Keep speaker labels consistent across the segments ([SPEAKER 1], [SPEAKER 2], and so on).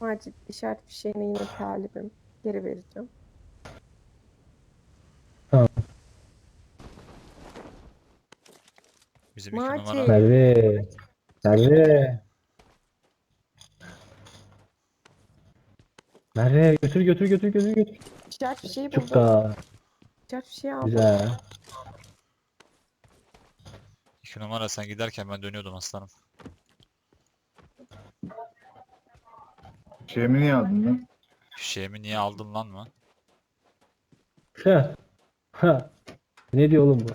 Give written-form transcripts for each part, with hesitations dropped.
[SPEAKER 1] Macit işaret fişeğine yine talibim. Geri vereceğim.
[SPEAKER 2] Tamam.
[SPEAKER 3] Bizim 2 numara.
[SPEAKER 1] Macit.
[SPEAKER 2] Merve. Merve. Merve götür götür götür götür götür.
[SPEAKER 1] İşaret fişeği buldum.
[SPEAKER 2] Çukka.
[SPEAKER 1] İşaret fişeği aldım.
[SPEAKER 2] Güzel.
[SPEAKER 3] 2 numara sen giderken ben dönüyordum aslanım.
[SPEAKER 4] Şeyimi niye aldın lan?
[SPEAKER 3] Fişeğimi niye aldın lan mı?
[SPEAKER 2] Ha. Ha. Ne diyor oğlum bu?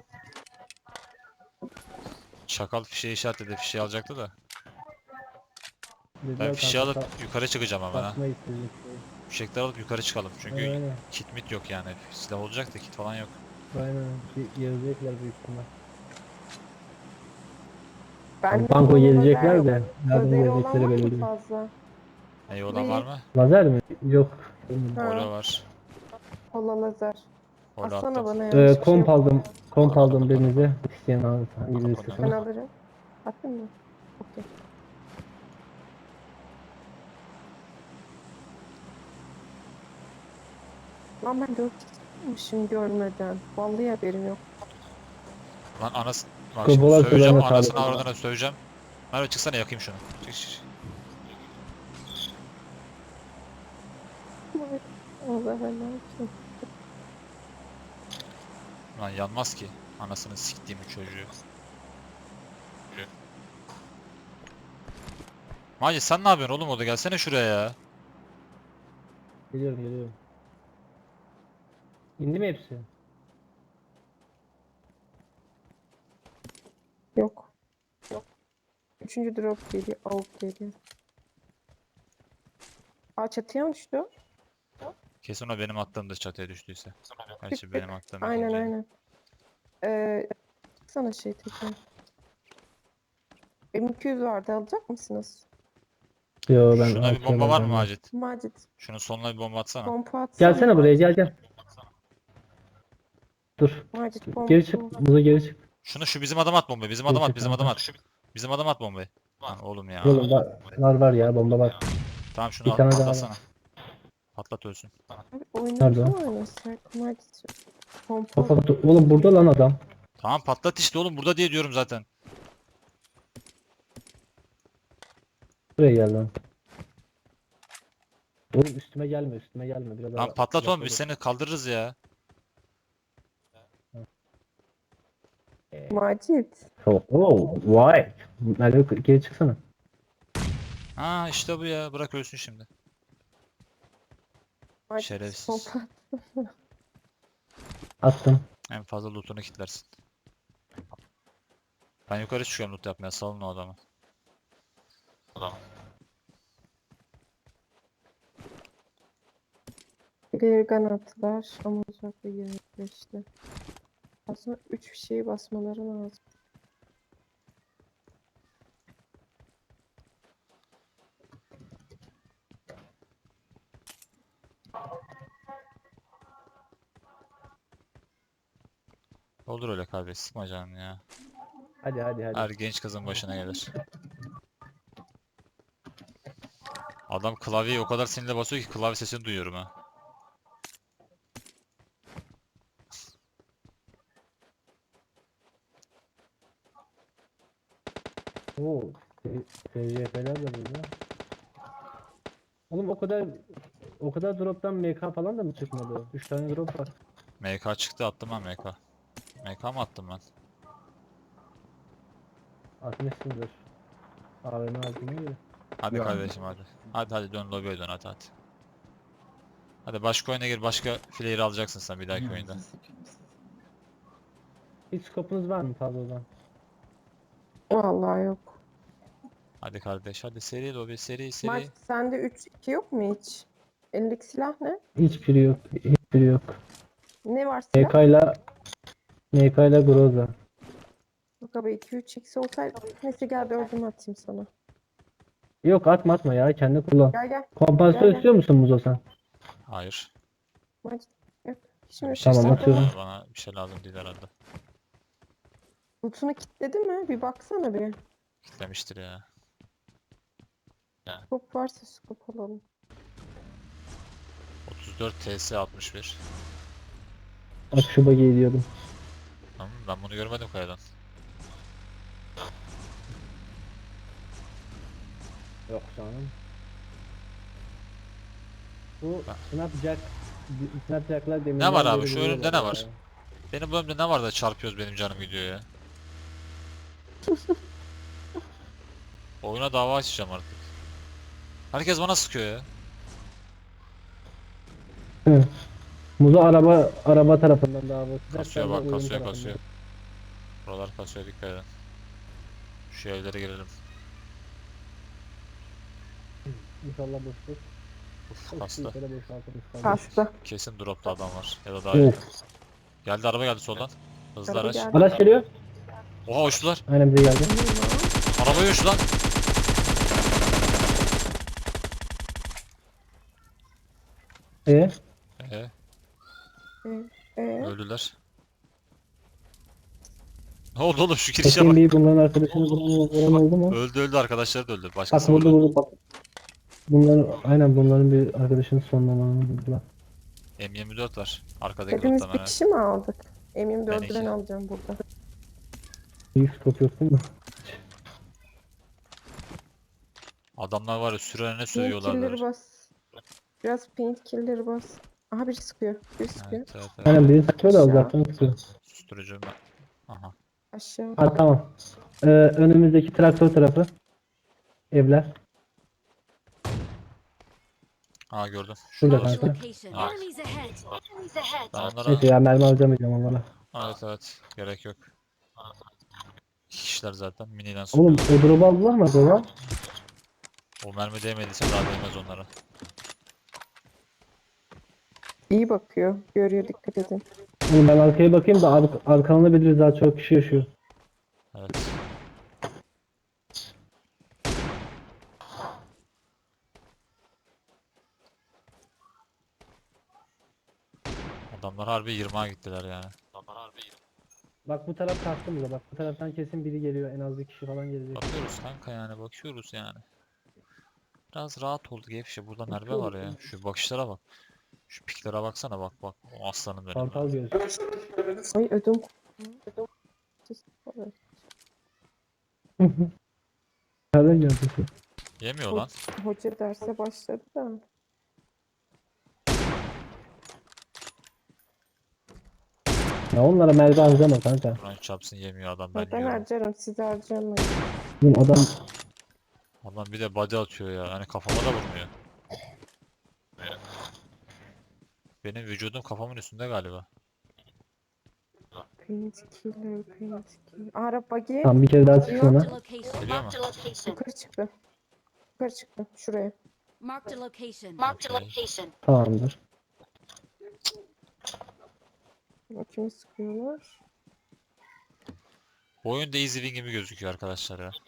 [SPEAKER 3] Çakal fişeği işaretledi. Fişeği alacaktı da. Ben
[SPEAKER 2] Dediler
[SPEAKER 3] fişeği
[SPEAKER 2] kanka,
[SPEAKER 3] alıp yukarı çıkacağım hemen ha.
[SPEAKER 2] satmayı istedik.
[SPEAKER 3] Fişekleri alıp yukarı çıkalım. Çünkü
[SPEAKER 2] Aynen.
[SPEAKER 3] kit mit yok yani. Silah olacak da kit falan yok.
[SPEAKER 2] Aynen. Gelecekler büyük ihtimal.
[SPEAKER 1] Ben
[SPEAKER 2] Banko gelecekler
[SPEAKER 1] yok.
[SPEAKER 2] de. Nereden
[SPEAKER 1] Lazeri olan var
[SPEAKER 2] gelecekleri belli
[SPEAKER 1] mı
[SPEAKER 2] değil.
[SPEAKER 1] fazla?
[SPEAKER 3] Neyi olan var
[SPEAKER 1] Değil.
[SPEAKER 3] mı?
[SPEAKER 2] Lazer mi? Yok.
[SPEAKER 3] Polo
[SPEAKER 1] Ha,
[SPEAKER 3] var.
[SPEAKER 1] kola lazer.
[SPEAKER 3] Polo
[SPEAKER 1] Atsana
[SPEAKER 3] attım.
[SPEAKER 1] bana yanlış bir şey
[SPEAKER 2] Komp
[SPEAKER 1] yok.
[SPEAKER 2] aldım. Komp aldım
[SPEAKER 3] Kapını.
[SPEAKER 2] denize. İsteyen alırsa.
[SPEAKER 3] Kapını.
[SPEAKER 2] İngilizce
[SPEAKER 1] Ben
[SPEAKER 2] sana.
[SPEAKER 1] alırım. Attın mı? Okey. Lan ben 4 çıkmışım görmeden. Vallahi haberim yok.
[SPEAKER 3] Lan anası... Bak şimdi
[SPEAKER 2] Kobolar
[SPEAKER 3] söveceğim.
[SPEAKER 2] kulağına
[SPEAKER 3] Anasını
[SPEAKER 2] sağlık.
[SPEAKER 3] avradına söveceğim. Merve çıksana yakayım şunu. Çık çık çık.
[SPEAKER 1] Allah ben ne yapayım?
[SPEAKER 3] Lan yanmaz ki. Anasını siktiğim çocuğu. Macit sen ne yapıyorsun oğlum orada? Gelsene şuraya ya.
[SPEAKER 2] Geliyorum geliyorum. İndi mi hepsi?
[SPEAKER 1] Yok. Üçüncü drop geliyor. Avuk geliyor. Aa çatıya mı düştü o?
[SPEAKER 3] Kesin o benim attığımda çatıya düştüyse. Gerçi
[SPEAKER 1] Tık
[SPEAKER 3] benim
[SPEAKER 1] tık.
[SPEAKER 3] attığım
[SPEAKER 1] Aynen
[SPEAKER 3] ikinci.
[SPEAKER 1] aynen. Sana şey tekrar. M200 vardı alacak mısınız?
[SPEAKER 2] Yo ben
[SPEAKER 3] Şuna bir bomba var mı Macit?
[SPEAKER 1] Macit.
[SPEAKER 3] Şunun sonuna bir bomba atsana.
[SPEAKER 1] Pompa atsana.
[SPEAKER 2] Gelsene buraya gel gel. Dur.
[SPEAKER 1] Macit
[SPEAKER 2] Geri
[SPEAKER 1] pompa.
[SPEAKER 2] çık. Buza geri çık.
[SPEAKER 3] Şunu şu bizim adama at bombayı. Bizim
[SPEAKER 2] Geri
[SPEAKER 3] adam at,
[SPEAKER 2] çık
[SPEAKER 3] bizim adam
[SPEAKER 2] kanka.
[SPEAKER 3] at. Bizim adam at bombayı. Lan oğlum ya.
[SPEAKER 2] Oğlum var ya bomba var.
[SPEAKER 3] Tamam şunu
[SPEAKER 2] Bir
[SPEAKER 3] al,
[SPEAKER 2] tane daha
[SPEAKER 3] patlatsana.
[SPEAKER 2] var.
[SPEAKER 3] Patlat ölsün.
[SPEAKER 1] Abi oyunu
[SPEAKER 2] Nerede
[SPEAKER 1] kim
[SPEAKER 2] o?
[SPEAKER 1] oynasak? Macit. Pompa.
[SPEAKER 2] Oğlum burada lan adam.
[SPEAKER 3] Tamam patlat işte oğlum burada diye diyorum zaten.
[SPEAKER 2] Buraya gel lan. Oğlum üstüme gelme üstüme gelme. Biraz
[SPEAKER 3] Lan
[SPEAKER 2] daha
[SPEAKER 3] patlat oğlum biz
[SPEAKER 2] uzakta
[SPEAKER 3] seni kaldırırız ya.
[SPEAKER 1] Macit.
[SPEAKER 2] dur. Oh, vay. Merve geri çıksana.
[SPEAKER 3] Ha işte bu ya. Bırak ölsün şimdi.
[SPEAKER 1] Macit
[SPEAKER 3] Şerefsiz.
[SPEAKER 1] pompa.
[SPEAKER 2] Attım.
[SPEAKER 3] En fazla lootunu kilitlersin. Ben yukarı çıkıyorum loot yapmaya. Salın o adamı.
[SPEAKER 1] Reargun attılar ama uzakta 25'te. Aslında 3 şeyi basmaları lazım.
[SPEAKER 3] Olur öyle kardeş. Sıkma canını ya.
[SPEAKER 2] Hadi hadi hadi.
[SPEAKER 3] Her genç kızın başına gelir. Adam klavyeyi o kadar sinirle basıyor ki klavye sesini duyuyorum ha.
[SPEAKER 2] Oo. TCF'ler de burada. Oğlum o kadar drop'tan MK falan da mı çıkmadı? 3 tane drop var.
[SPEAKER 3] MK çıktı attım ben MK. MK mı attım ben?
[SPEAKER 2] Atmışsındır. AVM aldığına göre.
[SPEAKER 3] Hadi
[SPEAKER 4] Ya.
[SPEAKER 3] kardeşim hadi. Hadi hadi dön lobiye dön hadi hadi. Hadi başka oyuna gir başka player alacaksın sen bir dahaki oyunda.
[SPEAKER 2] Hiç scope'unuz var mı fazladan?
[SPEAKER 1] Vallahi yok.
[SPEAKER 3] Hadi kardeş hadi seri lobi seri seri.
[SPEAKER 1] Macit sende 3-2 yok mu hiç? Elindeki silah ne?
[SPEAKER 2] Hiçbiri yok. Hiçbiri yok.
[SPEAKER 1] Ne var silah?
[SPEAKER 2] MK ile Groza.
[SPEAKER 1] Bak abi 2-3x olsaydı. Neyse gel 4'ümü atayım sana.
[SPEAKER 2] Yok atma ya kendi kullan.
[SPEAKER 1] Gel gel.
[SPEAKER 2] Kompansatör
[SPEAKER 1] Gel, gel.
[SPEAKER 2] istiyor musun Muzo sen?
[SPEAKER 3] Hayır.
[SPEAKER 1] Macit yok.
[SPEAKER 3] Bir
[SPEAKER 1] Şimdi
[SPEAKER 3] şey
[SPEAKER 2] Tamam,
[SPEAKER 3] istemiyorum
[SPEAKER 2] atıyorum.
[SPEAKER 3] bana bir şey lazım değil herhalde.
[SPEAKER 1] Loot'unu kilitledi mi? Bir baksana bir.
[SPEAKER 3] Kitlemiştir ya.
[SPEAKER 1] Skop varsa skop alalım.
[SPEAKER 3] 34 TS 61.
[SPEAKER 2] Bak şu bug'i ediyordum.
[SPEAKER 3] Ben bunu görmedim kayadan.
[SPEAKER 2] Yok canım. Bu
[SPEAKER 3] Ha.
[SPEAKER 2] Snapjack'lar deminden
[SPEAKER 3] Ne var abi?
[SPEAKER 2] beri
[SPEAKER 3] Şu
[SPEAKER 2] vuruyorlar
[SPEAKER 3] önümde ne
[SPEAKER 2] ya.
[SPEAKER 3] var? Benim bu önümde ne var da çarpıyoruz benim canım gidiyor ya. Oyuna dava açacağım artık. Herkes bana sıkıyor ya.
[SPEAKER 2] Hı. Muzo araba tarafından daha basacak.
[SPEAKER 3] Kasıyor
[SPEAKER 2] sen de
[SPEAKER 3] bak,
[SPEAKER 2] oyun
[SPEAKER 3] kasıyor
[SPEAKER 2] tarafından.
[SPEAKER 3] kasıyor. Buralar kasıyor, dikkat edin. Şu evlere girelim.
[SPEAKER 2] İnşallah boştur.
[SPEAKER 3] Uf, kastı.
[SPEAKER 2] Şöyle boşaltırız kardeşim.
[SPEAKER 1] Kastı.
[SPEAKER 3] Kesin dropta adam var. Ya da daha iyi.
[SPEAKER 2] Evet.
[SPEAKER 3] Geldi, araba geldi soldan. Hızlı
[SPEAKER 1] Araba
[SPEAKER 3] araç.
[SPEAKER 1] geldi.
[SPEAKER 2] Araç geliyor.
[SPEAKER 3] Oha, uçtular.
[SPEAKER 2] Aynen bize geldi.
[SPEAKER 3] Arabaya uçtu lan.
[SPEAKER 2] Ee?
[SPEAKER 3] Ee,
[SPEAKER 1] Ee,
[SPEAKER 3] öldüler. Ne oldu oğlum, şu girişe
[SPEAKER 2] Bakayım
[SPEAKER 3] bak.
[SPEAKER 2] bir bunların arkadaşını vuran oldu mu?
[SPEAKER 3] Öldü, arkadaşları da öldü.
[SPEAKER 2] Bak
[SPEAKER 3] Başkası
[SPEAKER 2] vurdu
[SPEAKER 3] vurdu.
[SPEAKER 2] vurdu bak. Bunların bir arkadaşının sonlamanını buldular.
[SPEAKER 3] M24 var. Arkadaki
[SPEAKER 1] hepimiz
[SPEAKER 3] grupta
[SPEAKER 1] bir
[SPEAKER 3] hemen.
[SPEAKER 1] kişi mi aldık?
[SPEAKER 3] Ben
[SPEAKER 1] M24'ü ben
[SPEAKER 3] iki.
[SPEAKER 1] alacağım burada.
[SPEAKER 2] İyi scope yok değil mi?
[SPEAKER 3] Adamlar var ya, sürene
[SPEAKER 1] Paint
[SPEAKER 3] sövüyorlar
[SPEAKER 1] killer'ı
[SPEAKER 3] böyle.
[SPEAKER 1] bas. Biraz paint killer'ı bas. Aha biri sıkıyor. Biri sıkıyor.
[SPEAKER 3] Evet, evet, evet.
[SPEAKER 2] Aynen biri sıkıyor da
[SPEAKER 1] Aşağı.
[SPEAKER 2] uzaktan sıkıyor.
[SPEAKER 3] Susturucu ben. Aha.
[SPEAKER 1] Aşağı.
[SPEAKER 2] Ha tamam. Önümüzdeki traktör tarafı. Evler.
[SPEAKER 3] Aa, gördüm.
[SPEAKER 2] Şurada
[SPEAKER 3] Şuradalar.
[SPEAKER 2] kanka.
[SPEAKER 4] Location.
[SPEAKER 3] Ah.
[SPEAKER 4] Enemies ahead. Enemies ahead.
[SPEAKER 3] Ben onlara...
[SPEAKER 2] Neyse ya mermi harcamayacağım onlara.
[SPEAKER 3] Evet, evet. Gerek yok. İki kişiler zaten. Miniden
[SPEAKER 2] Oğlum
[SPEAKER 3] sıkıyor.
[SPEAKER 2] o drop'u aldılar mı acaba?
[SPEAKER 3] O mermi değmediyse daha değmez onlara.
[SPEAKER 1] İyi bakıyor. Görüyor, dikkat edin.
[SPEAKER 2] Oğlum ben arkaya bakayım da arkamda biliriz daha çok kişi yaşıyor.
[SPEAKER 3] Evet. Adamlar harbi 20'a gittiler yani.
[SPEAKER 2] Bak bu taraf kalktı burada. Bak bu taraftan kesin biri geliyor. En az bir kişi falan gelecek.
[SPEAKER 3] Bakıyoruz kanka, yani bakıyoruz yani. Biraz rahat oldu gevşe. Burada merve var ya. Şu bakışlara bak. Şu piklere baksana, bak bak. O aslanım benim ya.
[SPEAKER 2] Kartal göz.
[SPEAKER 1] Ay ödüm.
[SPEAKER 2] Nereden geldi ki?
[SPEAKER 3] Yemiyor lan.
[SPEAKER 1] Hoca derse başladı da.
[SPEAKER 2] Ya onlara mermi harcama kanka.
[SPEAKER 3] Kur'an çarpsın, yemiyor adam, ben
[SPEAKER 1] Ben
[SPEAKER 3] yiyorum.
[SPEAKER 1] harcarım, siz harcamayın.
[SPEAKER 2] Oğlum adam
[SPEAKER 3] Adam bir de body atıyor ya. Hani kafama da vurmuyor. Benim vücudum kafamın üstünde galiba.
[SPEAKER 1] Paint killer, paint killer. Araba buggy.
[SPEAKER 2] tam bir kere daha çıksın
[SPEAKER 4] Marked
[SPEAKER 2] ona.
[SPEAKER 4] a location.
[SPEAKER 3] Geliyor mu?
[SPEAKER 4] Marked a location.
[SPEAKER 1] Yukarı çıktı. Yukarı çıktı. Şuraya.
[SPEAKER 4] Marked a location.
[SPEAKER 3] Marked a
[SPEAKER 4] location.
[SPEAKER 2] Tamamdır.
[SPEAKER 1] Kimi sıkıyorlar?
[SPEAKER 3] Bu oyun Daisy Wing gibi gözüküyor arkadaşlar ya.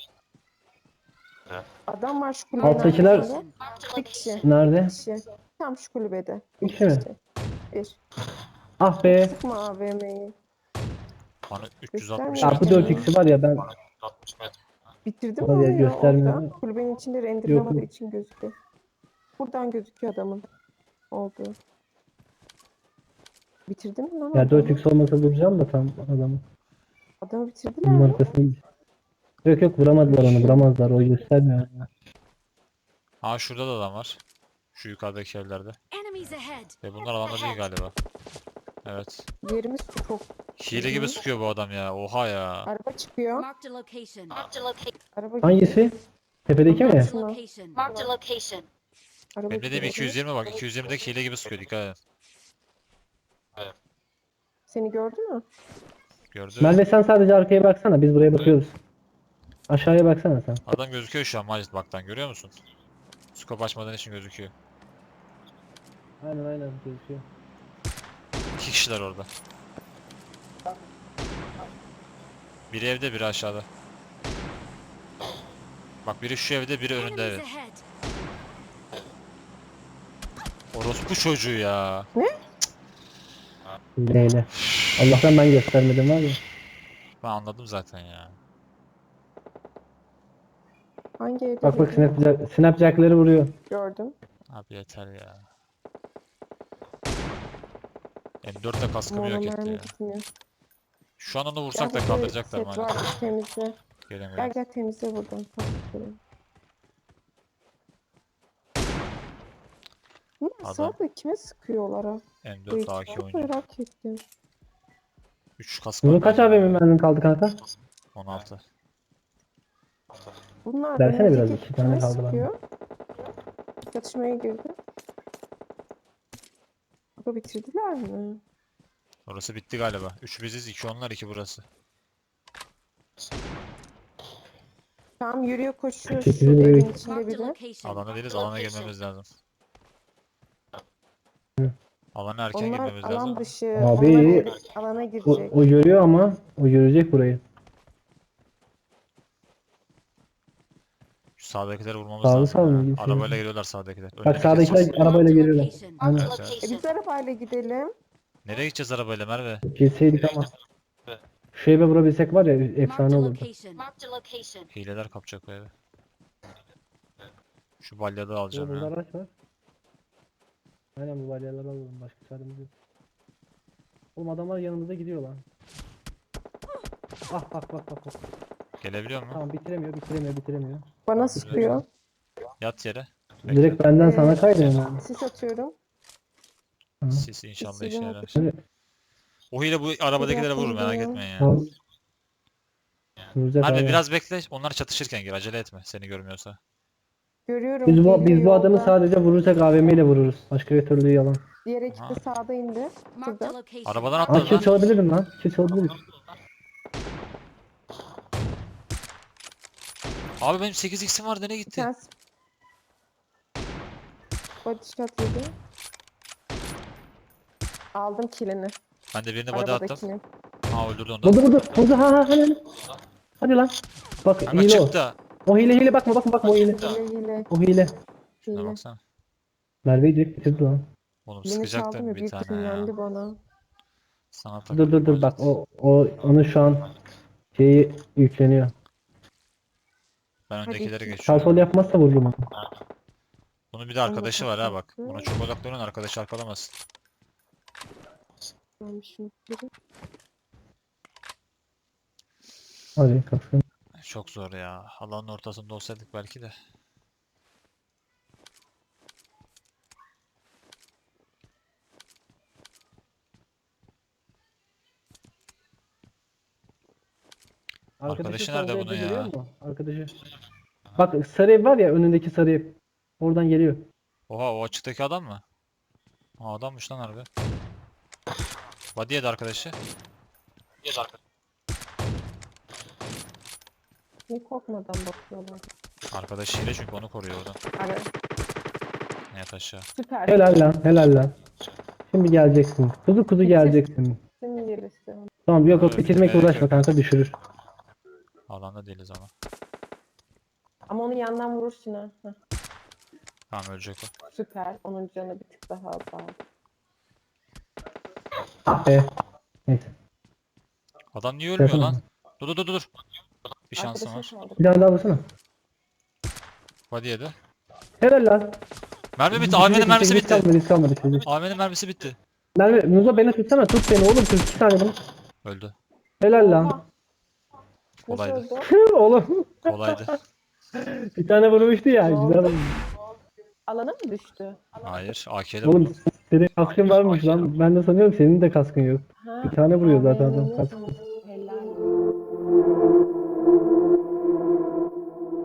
[SPEAKER 1] Adam var şu kulübenin
[SPEAKER 2] Alttakiler-
[SPEAKER 1] arkasında.
[SPEAKER 4] Marked a
[SPEAKER 1] Bir kişi.
[SPEAKER 4] location.
[SPEAKER 2] Nerede?
[SPEAKER 1] Bir kişi. Tam şu kulübede.
[SPEAKER 2] Bir kişi mi?
[SPEAKER 1] Bir.
[SPEAKER 2] Ah be.
[SPEAKER 1] Sıkma AVM'yi.
[SPEAKER 3] Bana 360
[SPEAKER 2] Ya bu
[SPEAKER 3] metre.
[SPEAKER 2] 4x'i var ya ben
[SPEAKER 1] Bitirdim
[SPEAKER 2] Oraya
[SPEAKER 1] onu ya
[SPEAKER 2] göstermiyor
[SPEAKER 1] orada.
[SPEAKER 2] mu?
[SPEAKER 1] Kulübenin içinde
[SPEAKER 2] Yok,
[SPEAKER 1] renderlamadığı
[SPEAKER 2] yok.
[SPEAKER 1] için gözüküyor. Buradan gözüküyor adamın olduğu. Bitirdin mi lan
[SPEAKER 2] ya
[SPEAKER 1] adamı?
[SPEAKER 2] 4x olmasa duracağım da tam adamı.
[SPEAKER 1] Adamı bitirdiler
[SPEAKER 2] Onun
[SPEAKER 1] mi?
[SPEAKER 2] arkasına gideceğim. Yok vuramadılar onu vuramazlar o göstermiyor.
[SPEAKER 3] Aa, şurada da adam var. Şu yukarıdaki evlerde.
[SPEAKER 4] Enemies ahead.
[SPEAKER 3] Ve bunlar adamlar değil galiba. Evet.
[SPEAKER 1] Yerimiz çok.
[SPEAKER 3] Hile gibi sıkıyor bu adam ya. Oha ya.
[SPEAKER 1] Araba çıkıyor.
[SPEAKER 4] Marked a location. Marked a location.
[SPEAKER 1] Araba
[SPEAKER 2] Hangisi? Tepedeki mi?
[SPEAKER 4] Marked a location. Marked a location.
[SPEAKER 1] Araba
[SPEAKER 3] Benim dediğim
[SPEAKER 1] gidiyor.
[SPEAKER 3] 220 bak. 220'deki hile gibi sıkıyor, dikkat edin.
[SPEAKER 1] Seni gördü mü?
[SPEAKER 3] Gördü.
[SPEAKER 2] Merve sen sadece arkaya baksana biz buraya bakıyoruz. Aşağıya baksana sen.
[SPEAKER 3] Adam gözüküyor şu an Macit, baktan görüyor musun? Scope açmadan için gözüküyor.
[SPEAKER 2] Aynen gözüküyor.
[SPEAKER 3] İki kişiler orada. Biri evde, biri aşağıda. Bak, biri şu evde, biri önünde,
[SPEAKER 4] Enemies
[SPEAKER 3] evet.
[SPEAKER 4] ahead.
[SPEAKER 3] Orospu çocuğu ya.
[SPEAKER 2] Hileyle. Allah'tan ben göstermedim var ya.
[SPEAKER 3] Ben anladım zaten ya.
[SPEAKER 1] Hangi evde
[SPEAKER 2] Bak bak
[SPEAKER 1] dedi?
[SPEAKER 2] snapjack'leri vuruyor.
[SPEAKER 1] Gördüm.
[SPEAKER 3] Abi yeter ya. M4'le kaskımı yok etti
[SPEAKER 1] Monomermi
[SPEAKER 3] ya.
[SPEAKER 1] gitmiyor.
[SPEAKER 3] Şu an onu vursak da
[SPEAKER 1] Gel,
[SPEAKER 3] kaldıracaklar
[SPEAKER 1] set
[SPEAKER 3] maalesef.
[SPEAKER 1] var, temizle.
[SPEAKER 3] Gelin
[SPEAKER 1] Gel
[SPEAKER 3] gelin.
[SPEAKER 1] gel temizle buradan. Bunlar
[SPEAKER 3] Adam-
[SPEAKER 1] sağda kime sıkıyorlar ha? Bu
[SPEAKER 3] M4 AK
[SPEAKER 1] ekipten
[SPEAKER 3] oynuyor.
[SPEAKER 1] merak ettim.
[SPEAKER 3] 3 kask var
[SPEAKER 2] Bunun kaç
[SPEAKER 3] bende.
[SPEAKER 2] AVM mermin kaldı kanka?
[SPEAKER 3] 16.
[SPEAKER 1] Bunlar
[SPEAKER 2] Versene biraz,
[SPEAKER 1] önümüzdeki
[SPEAKER 2] 2 tane
[SPEAKER 1] kime
[SPEAKER 2] kaldı bende.
[SPEAKER 1] sıkıyor? Çatışmaya girdi. Bu bitirdiler mi?
[SPEAKER 3] Orası bitti galiba. 3 biziz, 2 onlar, 2 burası.
[SPEAKER 1] Tam yürüyor koşuyor
[SPEAKER 2] Sekizi
[SPEAKER 1] şu
[SPEAKER 2] buraya-
[SPEAKER 1] evin içinde
[SPEAKER 4] Marked a
[SPEAKER 1] biri.
[SPEAKER 4] location.
[SPEAKER 3] Alana değiliz, alana
[SPEAKER 4] Location.
[SPEAKER 3] girmemiz lazım.
[SPEAKER 2] Hı.
[SPEAKER 3] Alana erken
[SPEAKER 1] Onlar
[SPEAKER 3] girmemiz
[SPEAKER 1] alan
[SPEAKER 3] lazım.
[SPEAKER 1] dışı.
[SPEAKER 2] Abi,
[SPEAKER 1] Onlar alana
[SPEAKER 2] O,
[SPEAKER 1] girecek.
[SPEAKER 2] o görüyor ama o görecek burayı.
[SPEAKER 3] Şu sağdakileri vurmamız
[SPEAKER 2] Sağlı
[SPEAKER 3] lazım
[SPEAKER 2] sağlı
[SPEAKER 3] ya.
[SPEAKER 2] mı?
[SPEAKER 3] Arabayla geliyorlar sağdakiler.
[SPEAKER 2] Bak
[SPEAKER 3] Önüne
[SPEAKER 2] sağdakiler
[SPEAKER 3] gideceğiz.
[SPEAKER 2] arabayla
[SPEAKER 4] Marked a
[SPEAKER 2] geliyorlar.
[SPEAKER 4] location.
[SPEAKER 2] Aynen.
[SPEAKER 4] Marked a
[SPEAKER 3] Evet.
[SPEAKER 1] Biz
[SPEAKER 4] location.
[SPEAKER 1] arabayla gidelim.
[SPEAKER 3] Nereye gideceğiz arabayla Merve?
[SPEAKER 2] Gitseydik ama. Şu eve vurabilsek var ya efsane
[SPEAKER 4] Marked a
[SPEAKER 2] olurdu.
[SPEAKER 4] location. Marked a location.
[SPEAKER 3] Hileler kapacak o evi. Şu balyada
[SPEAKER 2] Yo,
[SPEAKER 3] alacağım
[SPEAKER 2] burada
[SPEAKER 3] ya.
[SPEAKER 2] araç var. Aynen bu balyaları alalım. Başka çaremiz yok. Oğlum adamlar yanımızda gidiyor lan. Ah bak bak bak bak.
[SPEAKER 3] Gelebiliyor mu?
[SPEAKER 2] Tamam bitiremiyor.
[SPEAKER 1] Bana sıkıyor.
[SPEAKER 3] Yat yere. Bekle.
[SPEAKER 2] Direkt benden sana kaydıyor yani.
[SPEAKER 1] Sis atıyorum.
[SPEAKER 2] Hı.
[SPEAKER 3] Sis inşallah işe
[SPEAKER 1] Silah
[SPEAKER 3] yarar.
[SPEAKER 1] atacağım.
[SPEAKER 3] O hile bu arabadakilere vurur merak
[SPEAKER 1] Yapalım.
[SPEAKER 3] etmeyin ya.
[SPEAKER 2] Tamam. Vuracak
[SPEAKER 3] Merve
[SPEAKER 2] abi.
[SPEAKER 3] biraz bekle. Onlar çatışırken gir. Acele etme. Seni görmüyorsa.
[SPEAKER 1] Görüyorum.
[SPEAKER 2] Biz bu
[SPEAKER 1] geliyor
[SPEAKER 2] adamı
[SPEAKER 1] yolda.
[SPEAKER 2] sadece vurursak AVM ile vururuz. Başka bir türlü yalan.
[SPEAKER 1] Diğer ekip
[SPEAKER 3] Aha.
[SPEAKER 1] de sağda indi.
[SPEAKER 4] Marked a
[SPEAKER 1] Şurada.
[SPEAKER 4] location.
[SPEAKER 3] Arabadan
[SPEAKER 2] Aa
[SPEAKER 3] atladı
[SPEAKER 2] kill
[SPEAKER 3] lan.
[SPEAKER 2] çalabilirim lan. Kill çalabilirim.
[SPEAKER 3] Abi benim 8x'im var. Nereye
[SPEAKER 1] Bir
[SPEAKER 3] gitti?
[SPEAKER 1] tanesi body shot yedi. Aldım kilini.
[SPEAKER 3] Ben de birini body attım.
[SPEAKER 1] Arabadakini.
[SPEAKER 3] Ha öldürdü onu da.
[SPEAKER 2] Vurdu ha hadi. Hadi lan. Bak
[SPEAKER 3] Kanka
[SPEAKER 2] hile o.
[SPEAKER 3] çıktı.
[SPEAKER 2] O hile bakma o hile.
[SPEAKER 1] Hile.
[SPEAKER 2] O hile.
[SPEAKER 3] Şuna
[SPEAKER 1] Hile.
[SPEAKER 3] baksana.
[SPEAKER 2] Merve'yi direkt bitirdi lan.
[SPEAKER 3] Oğlum
[SPEAKER 1] Kilini çaldım
[SPEAKER 3] sıkacaktım
[SPEAKER 1] ya
[SPEAKER 3] bir
[SPEAKER 1] büyük
[SPEAKER 3] tane ya.
[SPEAKER 1] sinirlendi bana.
[SPEAKER 3] Sana
[SPEAKER 2] Dur bak onun şu an şeyi yükleniyor.
[SPEAKER 3] Ben
[SPEAKER 1] Hadi
[SPEAKER 3] öndekileri
[SPEAKER 1] iki.
[SPEAKER 2] Sağ
[SPEAKER 3] geçiyorum.
[SPEAKER 2] sol yapmazsa vururum onu.
[SPEAKER 3] Bunun bir de arkadaşı var ha bak.
[SPEAKER 1] kapattı.
[SPEAKER 3] Buna çok odaklanın arkadaşı arkalamasın.
[SPEAKER 1] Ben şunu kırayım.
[SPEAKER 2] Hadi kalksın.
[SPEAKER 3] Çok zor ya. Alanın ortasında olsaydık belki de. Arkadaşı nerede
[SPEAKER 2] solda
[SPEAKER 3] bunun
[SPEAKER 2] evde
[SPEAKER 3] ya?
[SPEAKER 2] görüyor musun? Arkadaşı. Bak sarı ev var ya önündeki sarı ev. Oradan geliyor.
[SPEAKER 3] Oha o açıktaki adam mı? Ha adammış lan harbi. Body'ye de arkadaşı.
[SPEAKER 1] Niye korkmadan bakıyorlar?
[SPEAKER 3] Arkadaşı hile çünkü onu koruyor oradan.
[SPEAKER 1] Ara.
[SPEAKER 3] Yat aşağı.
[SPEAKER 1] Süper.
[SPEAKER 2] Helal lan. Şimdi geleceksin. Kuzu geleceksin.
[SPEAKER 1] Senin gerisi.
[SPEAKER 2] Tamam yok
[SPEAKER 3] Evet,
[SPEAKER 2] bitirmekle
[SPEAKER 3] gerek
[SPEAKER 2] uğraşma
[SPEAKER 3] yok.
[SPEAKER 2] kanka düşürür.
[SPEAKER 3] Alanda değiliz ama.
[SPEAKER 1] Ama onu yandan vurursun ha. Heh,
[SPEAKER 3] Tamam ölecek o.
[SPEAKER 1] süper. Onun canı bir tık daha azaldı.
[SPEAKER 2] Ah be. Neyse.
[SPEAKER 3] Adam niye ölmüyor
[SPEAKER 2] Yapamam.
[SPEAKER 3] lan? Dur. Bir şansım
[SPEAKER 1] Arkadaşa
[SPEAKER 3] var.
[SPEAKER 1] kaldı.
[SPEAKER 2] Bir tane daha vursana.
[SPEAKER 3] Body'ye de.
[SPEAKER 2] Helal lan.
[SPEAKER 3] Mermi bitti. AVM'nin mermisi bitti.
[SPEAKER 2] Risk kalmadı çocuk.
[SPEAKER 3] AVM'nin mermisi bitti.
[SPEAKER 2] Merve, Muzo beni tutsana. Tut beni oğlum. 42 saniye bunu.
[SPEAKER 3] Öldü.
[SPEAKER 2] Helal lan.
[SPEAKER 1] Oha. Nasıl
[SPEAKER 3] Kolaydı.
[SPEAKER 1] oldu?
[SPEAKER 2] Oğlum.
[SPEAKER 3] Kolaydı.
[SPEAKER 2] Bir tane vurmuştu ya.
[SPEAKER 1] Oldu.
[SPEAKER 2] Güzel oldu.
[SPEAKER 1] Alana mı düştü?
[SPEAKER 3] Hayır. AK'de
[SPEAKER 2] Oğlum
[SPEAKER 3] vurdu.
[SPEAKER 2] senin kaskın varmış lan. Ben de sanıyorum senin de kaskın yok.
[SPEAKER 1] Ha,
[SPEAKER 2] Bir tane vuruyor zaten
[SPEAKER 1] AVM'nin
[SPEAKER 2] adam. Kask.
[SPEAKER 1] yanında.